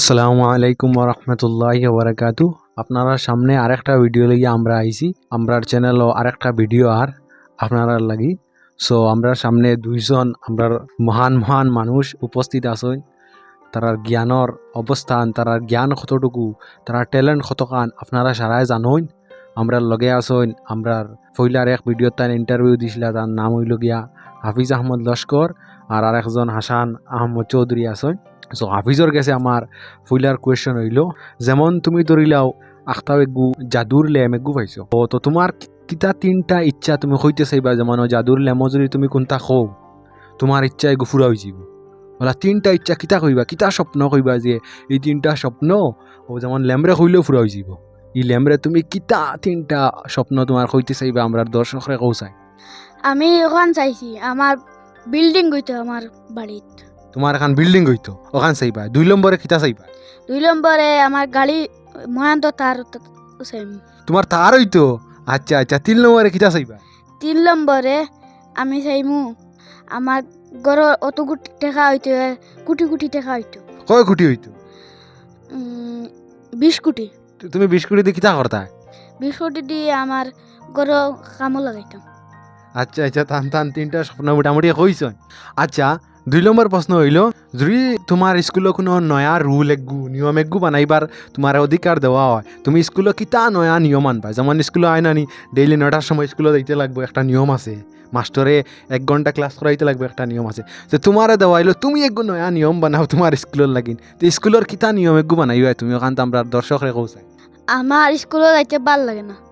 আসসালামু আলাইকুম রহমতুল্লাহি ওবরাকাতু। আপনারা সামনে আরেকটা ভিডিও লাগিয়ে আমরা আইছি। আমরার চ্যানেলও আরেকটা ভিডিও আর আপনারা লাগি। সো আমরা সামনে দুইজন আমরার মহান মহান মানুষ উপস্থিত আছেন। তারার জ্ঞানর অবস্থান, তারার জ্ঞান কতটুকু, তারার ট্যালেন্ট কতখান আপনারা সারাই জানেন। আমরা লগে আছেন আমরার ফইলার এক ভিডিও তার ইন্টারভিউ দিছিল, তার নাম হইল গিয়া হাফিজ আহমদ লস্কর, আর আরেকজন হাসান আহমদ চৌধুরী আছেন। সো হাফিজর কাছে আমার ফুইলার কোয়েশ্চন হইল, যেমন তুমি ধরিলাও আখতাও এগু জাদুর লেম এগু পাইছো, তো তোমার কিতা তিনটা ইচ্ছা তুমি হইতে চাইবা, যেমন জাদুর লেমো যদি তুমি কোনটা খো তোমার ইচ্ছা এগু ফুরা হয়ে যাব। বলা তিনটা ইচ্ছা কিতা কইবা, কিতা স্বপ্ন কইবা যে এই তিনটা স্বপ্ন ও যেমন ল্যামরে হইলেও ফুরা হয়ে যাব। এই ল্যামরে তুমি কিতা তিনটা স্বপ্ন তোমার হইতে চাইবা আমরা দর্শকরে কৌসাই। আমি ওখান চাইছি আমার বিল্ডিং গইতো আমার বাড়িত। তোমার এখন বিল্ডিং হইতো ওখান চাইবা। 2 নম্বরে কিতা চাইবা? 2 নম্বরে আমার গাড়ি মহান্ত তার চাইম। তোমার তার হইতো। আচ্ছা আচ্ছা, 3 নম্বরে কিতা চাইবা? 3 নম্বরে আমি চাইমু আমার গড় অত কোটি টাকা হইতো, কোটি কোটি টাকা হইতো। কয় কোটি হইতো? 20 কোটি। তুমি 20 কোটি দিয়ে কিতা করতা? 20 কোটি দিয়ে আমার গড় কামও লাগাইতাম। আচ্ছা আচ্ছা, টান তিনটা স্বপ্ন মোটামুটি কইছন। আচ্ছা, 2 নম্বর প্রশ্ন হইল, যদি তোমার স্কুলে কোনো নয়া রুল একগু নিয়ম একগু বানাইবার তোমার অধিকার দেওয়া হয়, তুমি স্কুলে কিতা নয়া নিয়ম আনবা? যেমন স্কুলে আয় নানি ডেইলি 9টার সময় স্কুলে যাইতে লাগবে, একটা নিয়ম আছে। মাস্টরে 1 ঘন্টা ক্লাস করাইতে লাগবে, একটা নিয়ম আছে। তো তোমারে দেওয়া হইলো তুমি একগু নয়া নিয়ম বানাও তোমার স্কুলের লাগিন। তো স্কুলের কিতা নিয়ম একগু বানাইবা তুমি? ওখান তো আমরা দর্শকরে কৌসাই। আমার স্কুলে যাইতে ভাল লাগে না,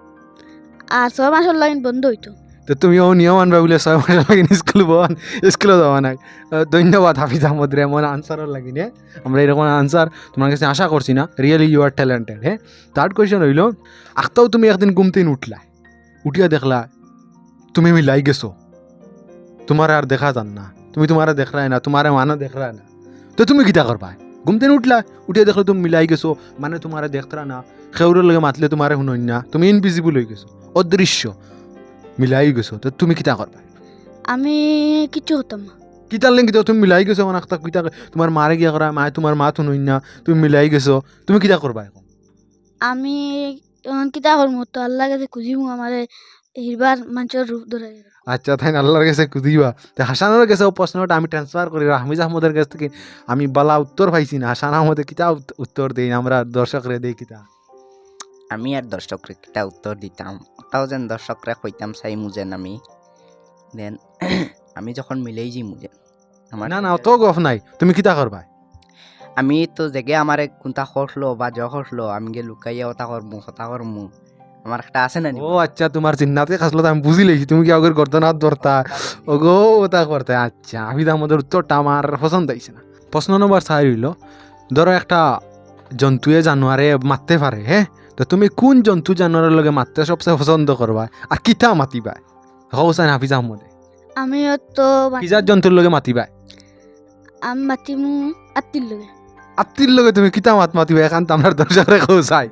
আর 6 মাসের লাইন বন্ধ হইতো। তো তুমিও নিয়ম আনবা বলে 6 মাস লাগিন স্কুলে যাওয়া নাই। ধন্যবাদ হাফিজ আহমদ রে, এমন আনসারও লাগিনে আমরা এরকম আনসার তোমার কাছে আশা করছি না। Really you are talented. হ্যাঁ, থার্ড কোয়েশ্চেন হইল, আখতাও তুমি একদিন ঘুমতেই উঠলা, উঠিয়া দেখলা তুমি মিলাই গেছো, তোমার আর দেখা যান না, তুমি তোমার দেখলাই না, তোমার মানো দেখলা না, তো তুমি কিতা করবা? ঘুমতেই উঠলা, উঠিয়া দেখলো তুমি মিলাই গেছো, মানে তোমার দেখলা না, খেউরের লগে মাতলে তোমার শুনই না, তুমি ইনভিজিবল হয়ে গেছো, অদৃশ্য মিলাই গেছো, তো তুমি কিতা করবা? আমি কিছু হতাম না। কিতার লেন কিতা তুমি মিলাই গেছো, মানে কিতা তোমার মারে গিয়া করা, মায়ে তোমার মা শুনই না, তুমি মিলাই গেছো, তুমি কিতা করবা এখন? আমি কিতা করবো, তো আল্লাহ কাছে খুঁজিমু আমারে হিরবার মানুষের রূপ ধরে। আচ্ছা, তাই আল্লাহর কাছে খুঁজিবা। তো হাসানের কাছে প্রশ্নটা আমি ট্রান্সফার করি হামিজ আহমদের কাছ থেকে। আমি বালা উত্তর পাইছি না, হাসান আহমদে কিতা উত্তর দেই আমরা দর্শকরে দেই কিতা? আমি আর দর্শকরে কিটা উত্তর দিতাম, ওটাও যেন দর্শকরা কইতাম চাই মুজেন আমি দেন আমি যখন মিলেই যাই মুজেন আমার না অত গফ নাই, তুমি কিতা করবা? আমি তো জেগে আমার কোনটা করলো বা জ করলো আমি গে লুকাইয়া ওটা করমু হতা করমু, আমার একটা আছে না ও আচ্ছা, তোমার চিন্নাতে খাসলো আমি বুঝি লেছি, তুমি কি আগের করতো না ধরতা ওগো ওটা করতে। আচ্ছা, হাফিজ আহমদের উত্তরটা আমার পছন্দ হয়েছে না। প্রশ্ন নম্বর 4 হইল, ধরো একটা জন্তুয়ে জানোয়ারে মারতে পারে, হ্যাঁ, তো তুমি কোন জন্তু জানোয়ারের লগে মারতে সবচেয়ে পছন্দ করবা আর কিতা মাতিবা? হোসেন হাফিজ আহমদে আমি তো কিজার জন্তুর লগে মাতিবা? আমি মাতিমু আত্মীর লগে। আত্মীর লগে তুমি কিতা মাতিবা এখন তো আমরা দর্শকরে কৌসাই।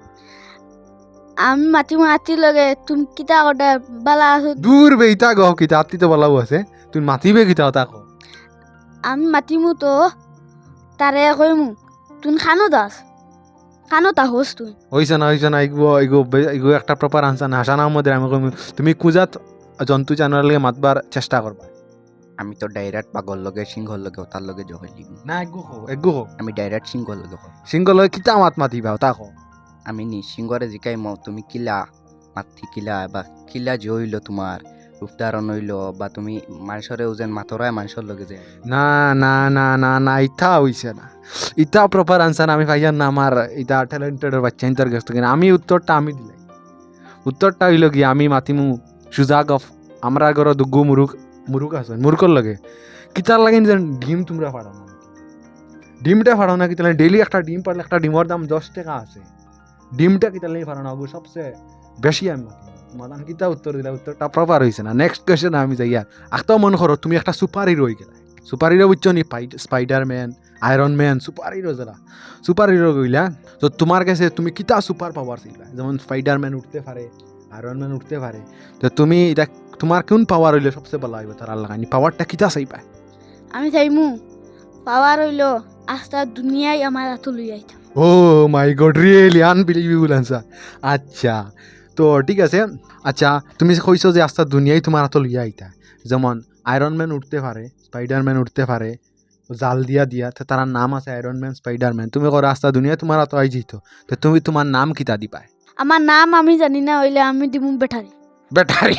আমি মাতিমু আত্মীর লগে, তুমি কিতা কটা বালা আছো? দূর বেইতা গহ, কিতা আত্মী তো বলাও আছে, তুমি মাতিবে কিতা ওটা কো? আমি মাতিমু তো তারে কইমু তুই খানো দাস, খানো তা হোস তুই। হইছে না এগো একটা প্রপার আনসার না। হাসান আহমদের আমি কইম, তুমি কুজাত জন্তু জানোয়ারের লগে মাতবার চেষ্টা করবা। আমি তো ডাইরেক্ট পাগল লগে সিংহর লগে ওটার লগে জহলি না এগো হো আমি ডাইরেক্ট সিংহর লগে কই সিংহ লগে কিতা মাতিবা ওটা কো? আমি নি সিংহরে জিকাই মও তুমি কিলা মাতি কিলা বা কিলা যে হইলো তোমার রূপধারণ হইলো বা তুমি মানুষরে ওজেন মাতরায় মানুষের লগে যে না না না না না, ইটা হইছে না, ইটা প্রপার আনসার আমি পাইয়ান না। আমার ইটা ট্যালেন্টেডের বাচ্চা ইন্টার গেছে কিনা আমি উত্তরটা আমি দিলাই। উত্তরটা হইল কি, আমি মাতিমু সুজাগ অফ আমরা ঘর দুগু মুরুক আছে মুরুকর লগে কিতার লাগে যেন ডিম তোমরা ফাড়াও না, ডিমটা ফাড়াও না, কিতালে ডেইলি একটা ডিম পারলে একটা ডিমের দাম 10 টাকা আছে, ডিমটা কিতালে ফাড়াও না, সবচেয়ে বেশি আমি মাতিমু। তোমার কিতা উত্তর দিলা, উত্তরটা প্রপার হয়েছে না। নেক্সট কোয়েশ্চেন আমি যাই আর আখতাও মনে করো তুমি একটা সুপার হিরো হয়ে গেলা। সুপার হিরো বুঝছো নি? Spiderman, Iron Man, superhero যারা সুপার হিরো গইলা, তো তোমার কাছে তুমি কিতা সুপার পাওয়ার ছিলা? যেমন স্পাইডারম্যান উঠতে পারে, আয়রন ম্যান উঠতে পারে, তো তুমি এটা তোমার কোন পাওয়ার হইলে সবচেয়ে ভালো হইবে? তার লাগানি পাওয়ারটা কিতা চাইবা? আমি চাইমু পাওয়ার হইল আস্তা দুনিয়ায় আমার এত লই আইতাম। Oh my God, really unbelievable answer. আচ্ছা, তো ঠিক আছে। আচ্ছা, তুমি যে কইছো যে আস্তা দুনিয়ায় তোমার হাতে লইয়া আইতা, যেমন আয়রন ম্যান উঠতে পারে, স্পাইডারম্যান উঠতে পারে জাল দিয়া তো তার নাম আছে আয়রন ম্যান, স্পাইডারম্যান। তুমি করো আস্তা দুনিয়ায় তোমার হাতে আই যেত, তো তুমি তোমার নাম কিতা দিবা? আমার নাম আমি জানি না, হইলে আমি দিমু ব্যাটারি। ব্যাটারি।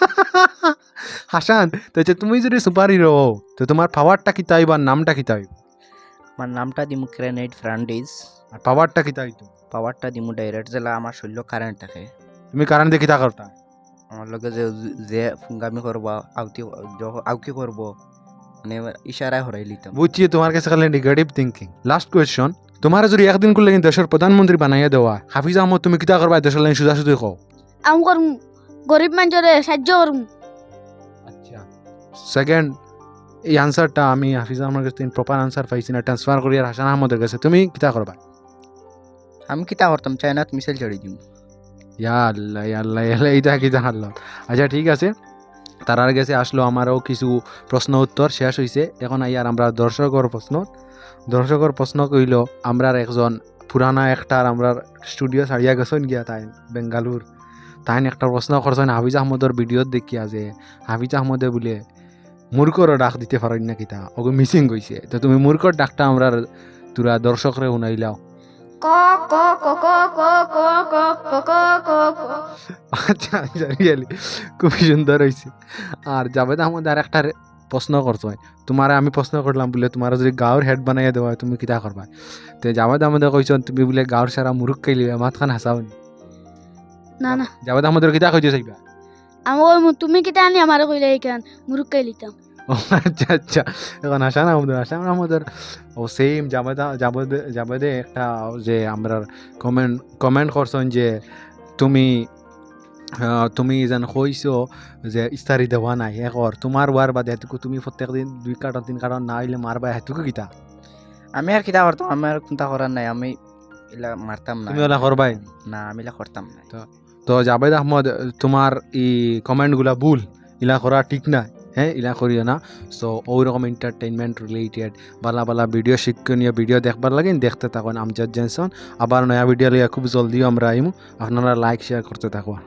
হাসান, তো হচ্ছে তুমি যদি সুপার হিরো হও তো তোমার পাওয়ারটা কিতা হইব আর নামটা কিতা হইব? আমার নামটা দিমু গ্রেনেড ফ্রান্ডিজ, আর পাওয়ারটা কিতা হইতো? পাওয়ারটা দিমু ডাইরেক্ট, জেলা আমার শরীর কারেন্ট থাকে। তুমি কারণ দিয়ে কিতা করতা? আমার লগে যে যে ফুঙ্গামি করবো, আউকি করবো, মানে ইশারায় হরাই লিতাম। বুঝছি, তোমার কাছে খালি নেগেটিভ থিঙ্কিং। লাস্ট কোয়েশ্চন, তোমার যদি একদিন করলে দেশের প্রধানমন্ত্রী বানাইয়া দেওয়া, হাফিজ আহমদ তুমি কিতা করবা দেশের লাইন সুজা সুজি কও? আমি করমু গরিব মানুষরে সাহায্য করমু। আচ্ছা, সেকেন্ড এই আনসারটা আমি হাফিজ আহমদের কাছে প্রপার আনসার পাইছি না, ট্রান্সফার করি আর হাসান আহমদের কাছে। তুমি কিতা করবা? আমি কিতা করতাম, চায়নাত মিসাইল চড়ি দিম। ইয়া আল্লাহ ইয়া আল্লাহ ইয়া আল্লাহ, এইটা কিতা হারলাম। আচ্ছা ঠিক আছে, তারার কাছে আসলো আমারও কিছু প্রশ্ন উত্তর শেষ হয়েছে। এখন আইয়ার আমরা দর্শকর প্রশ্ন কইল আমরা একজন পুরানা একটার আমরা স্টুডিও ছাড়িয়া গেছেন গিয়া তাই বেঙ্গালুর, তাই একটা প্রশ্ন করছেন হাফিজ আহমদের ভিডিওত দেখিয়া যে হাফিজ আহমদে বলে মূর্খর ডাক দিতে পারেন না কিতা, ওকে মিসিং গইছে। তো তুমি মূর্খর ডাকটা আমরা তোরা দর্শকরে শুনাইলাও। ক ক ক ক ক ক ক ক ক ক ক। আচ্ছা আচ্ছা, রিয়েলি খুবই সুন্দর হয়েছে। আর জাভেদ আহমদ আর একটা প্রশ্ন করছো, তোমার আমি প্রশ্ন করলাম বলে তোমার যদি গাঁর হেড বানাইয়া দেওয়া হয় তুমি কিতা করবা? তো জাভেদ আহমদে কইছেন তুমি বলে গাঁর সারা মুরুখ খাইলি, মাতখান হাসাও। না না, জাভেদ আহমদের কিতা কইতে চাইবা? আমি কইমু তুমি কিতা আনি আমার কইলে এইখান মুরুক্কাই লিতাম। ও আচ্ছা আচ্ছা, এখন হাসান আহমদের ও সেম জাভেদে একটা যে আমরা কমেন্ট করছেন যে তুমি যেন কইছো যে ইস্তারি দেওয়া নাই একর তোমার ওয়ার বাদে হেতুকু তুমি প্রত্যেক দিন 2 কার্টন 3 কার্টন না হইলে মারবা, হেতুকু কিতা? আমি আর কিতা করতাম, আমি আর চিন্তা করার নাই, আমি এলা মারতাম না। তুমি ওলা করবাই না, আমি এলা করতাম না। তো জাভেদ আহমদ তোমার এই কমেন্টগুলা ভুল, ইলা করা ঠিক না। হ্যাঁ, ইলা করিও না। সো ওইরকম এন্টারটেইনমেন্ট রিলেটেড বালা ভিডিও, শিক্ষণীয় ভিডিও দেখবার লাগে দেখতে থাকুন আমজাদ জেনসন। আবার নয়া ভিডিও লিয়া খুব জলদিও আমরা আইমু, আপনারা লাইক শেয়ার করতে থাকুন।